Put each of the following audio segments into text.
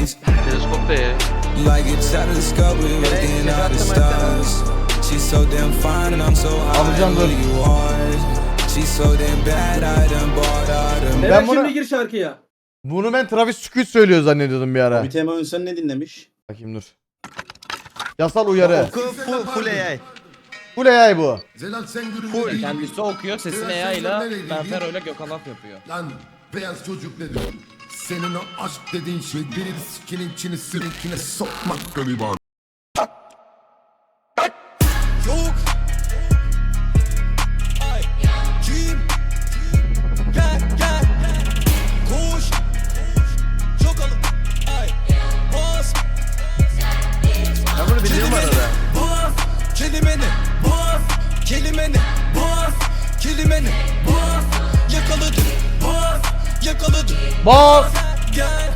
days. Teleskop da ya. Like a telescope, we looking at the stars. She's so damn fine and I'm so high. Who you are? She's so damn bad, I done bought all them. Ben şimdi gir şarkıya. Bunu ben Travis Scott söylüyor zannediyordum bir ara. Bir tema Ünsen ne dinlemiş? Bakayım dur. Yasal uyarı. Full AI. Full AI bu. Zelal sen gürültü. Kendisi okuyor, sesini AI ile Benfero ile Gökhan Af yapıyor. Lan beyaz çocuk ne diyor? Senin o aşk dediğin şey biri sikinin içini sirinkine sokmak galiba. Yok. Ay. Kim? Gel gel. Koş. Çok alın. Ay. Bas. Ben bunu biliyorum arada. Bas. Kelimeni. Bas. Kelimeni. Bas. Kelimeni. Bas. Yakaladım. Bas. Yakaladım. Bas. Gel.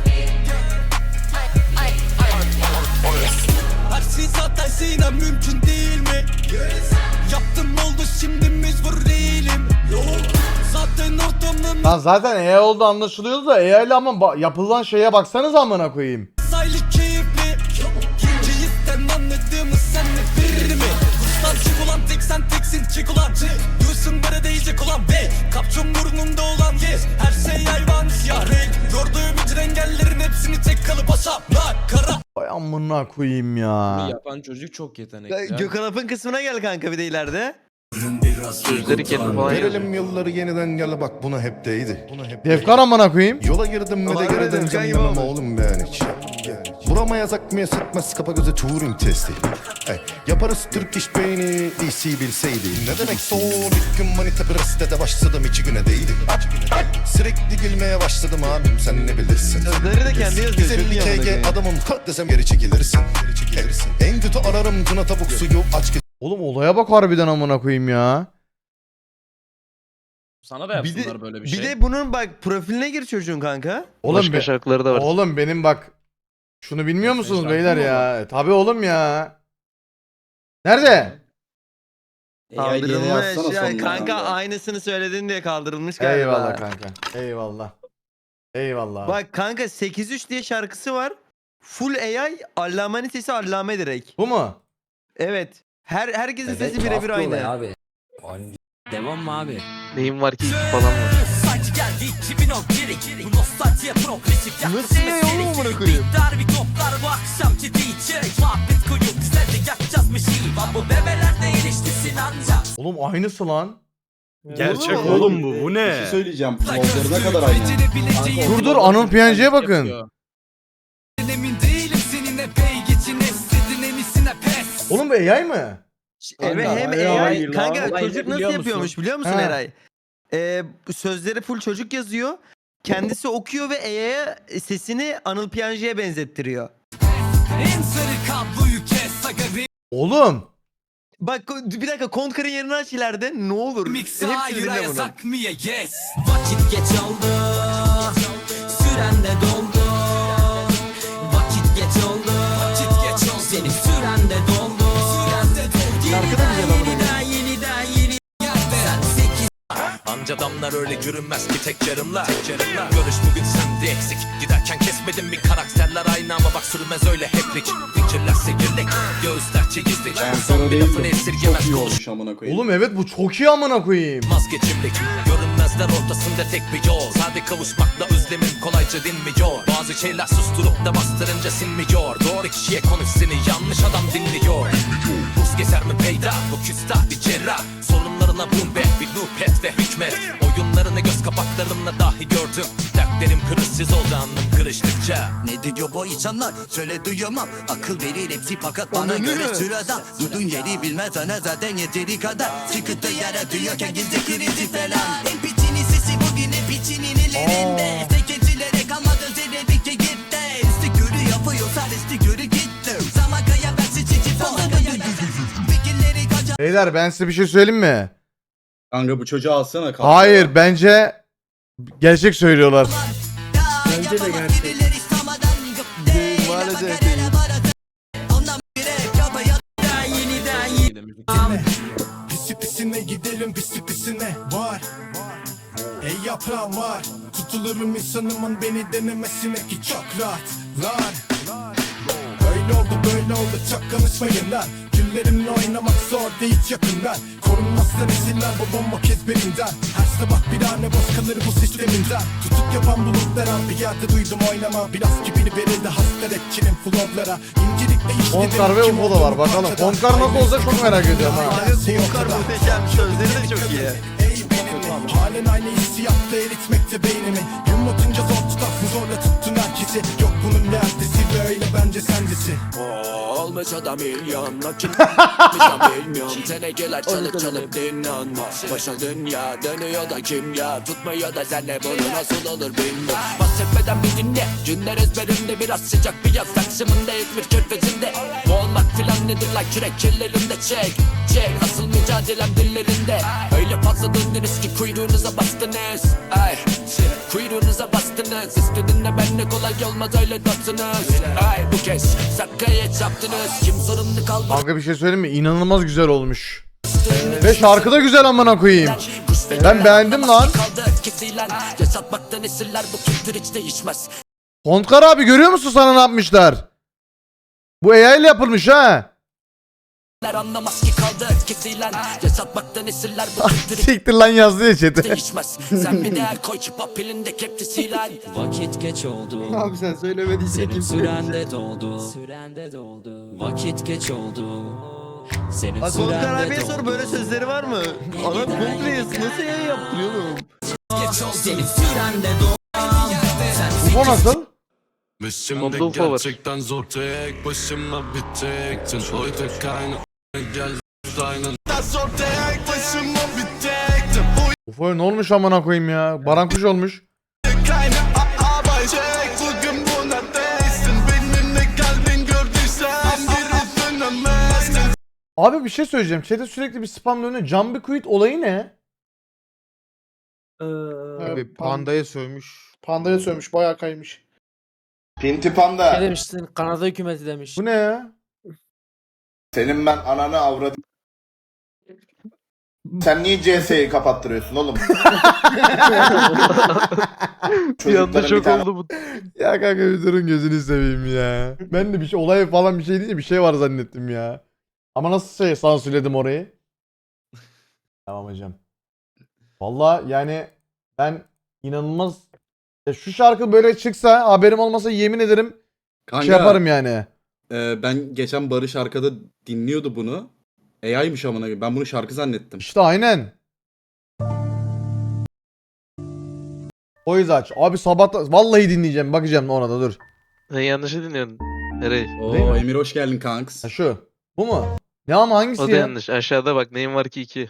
Hersin zaten sinem mümkün değil mi? Yaptım oldu şimdi mecbur değilim. Yok. Zaten ortamın Lan zaten AI oldu anlaşılıyordu da AI ile ama yapılan şeye baksanız amına koyayım. saylı keyifli. Keyiften anladığımı sen de verir mi? Kurstan çık ulan tek sen teksin çık ulan. Diyorsun bana değecek ulan be. Kapçın burnumda olan yes. Her şey hayvan siyah renk. Gördüğüm bütün engellerin hepsini tek kalıp asaplar. Kara. Vay amına koyayım ya. Bunu yapan çocuk çok yetenekli. Gökhan Af'ın kısmına gel kanka bir de ileride. Sözleri kendi falan yazıyor. Verelim yılları yeniden gel bak buna hep değdi. Defkan amına koyayım. Yola girdim ve de Var geri mı Defkan döneceğim gibi yanıma olmuş? oğlum ben hiç. Vuramayaz akmaya sıkmaz kapa göze Turing testi. Yaparız Türk iş beyni DC bilseydi. Ne demek son ilk gün manita Brest'te başladım 2 güne değdi. Sürekli gülmeye başladım abim sen ne bilirsin. Sözleri de kendi yazıyor. 150 KG adamım ha desem geri çekilirsin. En kötü ararım tuna tavuk suyu aç Oğlum olaya bak harbiden amına koyayım ya. Sana da Bir yapsınlar de, böyle bir bir şey. de bunun bak profiline gir çocuğun kanka. Oğlum Başka şarkıları da var. Oğlum benim bak şunu bilmiyor Senin musunuz şarkın beyler mı ya? Tabii oğlum ya. Nerede? Kaldırılmış ya kanka aynısını söyledin diye kaldırılmış galiba. Eyvallah kanka. Eyvallah. Eyvallah. Bak kanka 8-3 diye şarkısı var. Full AI Allame'nin sesi Allame direkt. Bu mu? Evet. Herkesin sesi birebir aynı. Abi. Devam mı abi? Neyim var ki falan var. Sanki geldi 2010 geri. Bu nostaljiye progresif Nasıl ya oğlum amına koyayım? Dar bir toplar bu akşamki DJ. Muhabbet koyup bizler de yakacağız bir şey. Bu bebeler de ilişkisin ancak. Oğlum aynısı lan. Gerçek oğlum bu. Bu ne? Bir şey söyleyeceğim. Flowları ne kadar aynı. Dur Anıl PNG'ye bakın. Yapıyor. Emin değilim seninle bey geçin estedin emisine pes. Oğlum bu AI mı? Evet hem Kanka, AI. hayır Kanka lan. çocuk nasıl Biliyor musun? yapıyormuş biliyor musun Ha. Eray? Sözleri full çocuk yazıyor. Kendisi okuyor ve AI'ye sesini Anıl Piyancı'ya benzettiriyor. En sarı kabloyu kes aga Oğlum. Bak bir dakika Kontkar'ın yerini aç ileride ne olur. remix Hepsini hayır dinle bunu. yasak mı ya yes. Vakit geç oldu. Süren de doldu. Vakit geç oldu. Vakit geç oldu. Senin süren de doldu. Süren de doldu. Şarkı da güzel ama. Yeniden yeni sen 8. Anca damlar öyle görünmez ki tek yarımla. Görüş bugün sende eksik. Giderken kesmedim mi karakterler aynı ama bak sürmez öyle heplik. Fikirler sekirlik, göğüsler çekizlik. Son bir lafını esirgemez Çok iyi konuş. olmuş amına koyayım. Oğlum evet bu çok iyi amına koyayım. Vazgeçimlik, görünmezler ortasında tek bir yol. Sade kavuşmakla özlemin kolayca dinmiyor. Bazı şeyler susturup da bastırınca sinmiyor. Doğru kişiye konuş seni yanlış adam dinliyor. Buz gezer mi peyda bu küstah bir cerrah. Sorunlarına boom be bir loop et ve hükmet. Oyunlarını göz kapaklarımla dahi gördüm. Dertlerim kırışsız oldu anlam kırıştıkça. Ne diyor bu insanlar? Söyle duyamam. Akıl verir hepsi fakat bana göre sırada. Dudun yeri bilmez ana zaten yeteri kadar. Çıkıntı yaratıyorken gizli krizi falan. En piçinin sesi bugün en piçinin ellerinde. Sekecilere kalmadı zerredikçe gitti. Üstü körü yapıyorsa üstü körü gitti. Zaman kaya versin çiçi falan kaya versin. Fikirleri kaçar. Beyler ben size bir şey söyleyeyim mi? Kanka bu çocuğu alsana. kalk. Hayır bence gerçek söylüyorlar. Bence de gerçek. Maalesef İyi de müzik. Pisi pisine gidelim pisi pisine var. Ey yaprağım var. Tutulurum insanımın beni denemesine ki çok rahat. Öyle oldu böyle oldu çok konuşmayın lan. Günlerimle oynamak zor değil yakından. Korunmazsa nesiller bu bomba ezberinden. Her sabah bir tane boş kalır bu sisteminden. Tutuk yapan bulutlara bir yerde duydum oynama. Biraz kibir verildi hasta rapçinin flowlara. İncelikle işledim. Konkar ve UFO da var bakalım. Konkar nasıl olacak çok merak ediyorum ha. Konkar muhteşem, sözleri de çok iyi. Ey benim halen aynı hissiyatta eritmekte beynimi. Yumlatınca zor tutar bu zorla tuttun herkesi. Yok bunun ne ertesi böyle bence sendesi. Olmuş adam milyon nakit bilmiyorum. Tenekeler çalıp çalıp dinlenmez. Başa dünya dönüyor da kimya tutmuyor da senle bunu nasıl olur bilmiyorum. Bahsetmeden bir dinle. Günler ezberimde biraz sıcak bir yaz Taksim'inde İzmir körfezinde. Bu olmak filan nedir lan kürek kirlerimde çek. Çek asıl mücadelem dillerinde. Öyle fazla döndünüz ki kuyruğunuza bastınız. Ay kuyruğunuza bastınız. İstediğinde benle kolay olmaz öyle dönsünüz. Ay bu kez sakaya çaptınız. Kim sorumlu kalmadı. Kanka bir şey söyleyeyim mi? İnanılmaz güzel olmuş. Ve şarkı da güzel amına koyayım. Ben beğendim lan. Yaşatmaktan esirler bu kültür hiç değişmez. Kontkar abi görüyor musun sana ne yapmışlar? Bu AI ile yapılmış ha. Anlamaz ki kaldı kesilen. Yaşatmaktan esirler bu kültür hiç Siktir lan yazdı ya chat'e. değişmez. Sen bir değer koy çıpa pilinde kepçesiyle. Vakit geç oldu. Abi sen söylemediysen Senin kim sürende doldu. Sürende doldu. Vakit geç oldu. Senin Bak Konkar sürende abiye sor doldu. böyle sözleri var mı? Adam komple yazı nasıl yayın yaptırıyor oğlum? Senin sürende doldu. UFO nasıl? Onda UFO var. zor tek başıma bitecektin. Oydu kayna gel zor tek başıma bitecektin. UFO'ya ne olmuş amına koyayım ya? Barankuş olmuş. Kayna bugün buna değsin. Benim ne kalbin gördüysen geri dönemezsin. Abi bir şey söyleyeceğim. Chat'e sürekli bir spam dönüyor. Jumpy Quit olayı ne? Abi Pandaya sövmüş. Pandaya sövmüş bayağı kaymış. Pinti Panda. Ne demiştin? Kanada hükümeti demiş. Bu ne ya? Senin ben ananı avradım. Sen niye CS'yi kapattırıyorsun oğlum? Bir anda Çocukların şok tane oldu bu. Ya kanka bir durun gözünü seveyim ya. Ben de bir şey olay falan bir şey değil bir şey var zannettim ya. Ama nasıl şey sansürledim orayı? Tamam hocam. Valla yani ben inanılmaz ya şu şarkı böyle çıksa haberim olmasa yemin ederim şey yaparım yani. Ben geçen Barış arkada dinliyordu bunu. AI'ymış amına koyayım. Ben bunu şarkı zannettim. İşte aynen. O yüzden aç. Abi sabah vallahi dinleyeceğim bakacağım ona da dur. Sen yanlışı dinliyorsun. Nereye? Değil mi? Emir hoş geldin kanks. Ha şu. Bu mu? Ne ama hangisi O da ya? yanlış. Aşağıda bak neyim var ki 2.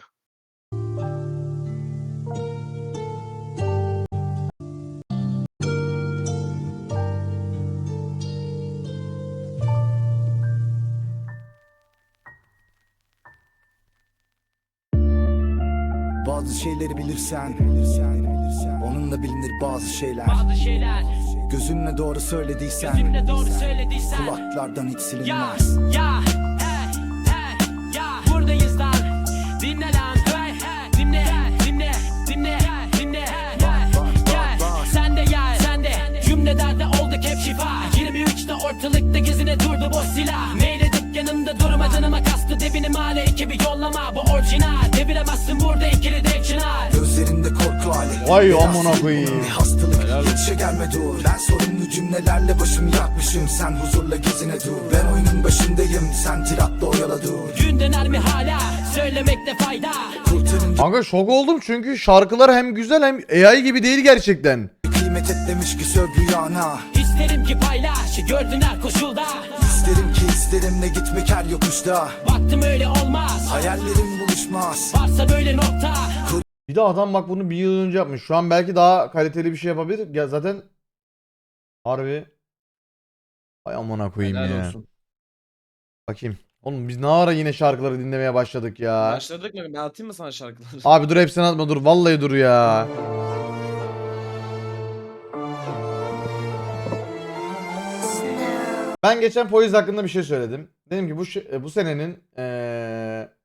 Bazı şeyleri bilirsen onunla bilinir bazı şeyler. Gözünle doğru söylediysen kulaklardan hiç silinmez. Buradayız lan. Dinle lan. Dinle. Sen de gel. Sen de. Cümlelerde olduk hep şifa. 23'te ortalıkta gezine durdu boş silah. Meyledip yanımda durma canıma kastı. Debini male ekibi yollama. Bu orijinal. Deviremezsin burada ikili tek çınar. Gözlerinde korku hali. Vay amına koyayım. Bir hastalık yetişe gelme dur. Ben sorumlu cümlelerle başımı yakmışım. Sen huzurla gezine dur. Ben oyunun başındayım. Sen tiratla oyala dur. Gün döner mi hala? Söylemekte fayda. Kurtarın Kanka şok oldum çünkü şarkılar hem güzel hem AI gibi değil gerçekten. kıymet et demiş ki söv rüyana. İsterim ki paylaş. Gördün her koşulda. İsterim ki isterimle gitmek her yokuşta. Baktım öyle olmaz. Hayallerim buluşmaz. Varsa böyle nokta. Bir de adam bak bunu bir yıl önce yapmış. Şu an belki daha kaliteli bir şey yapabilir. Ya zaten harbi ay amına koyayım Helal ya. olsun. Bakayım. Oğlum biz ne ara yine şarkıları dinlemeye başladık ya. Başladık mı? Ben atayım mı sana şarkıları? Abi dur hepsini atma dur. Vallahi dur ya. Ben geçen Poise hakkında bir şey söyledim. Dedim ki bu senenin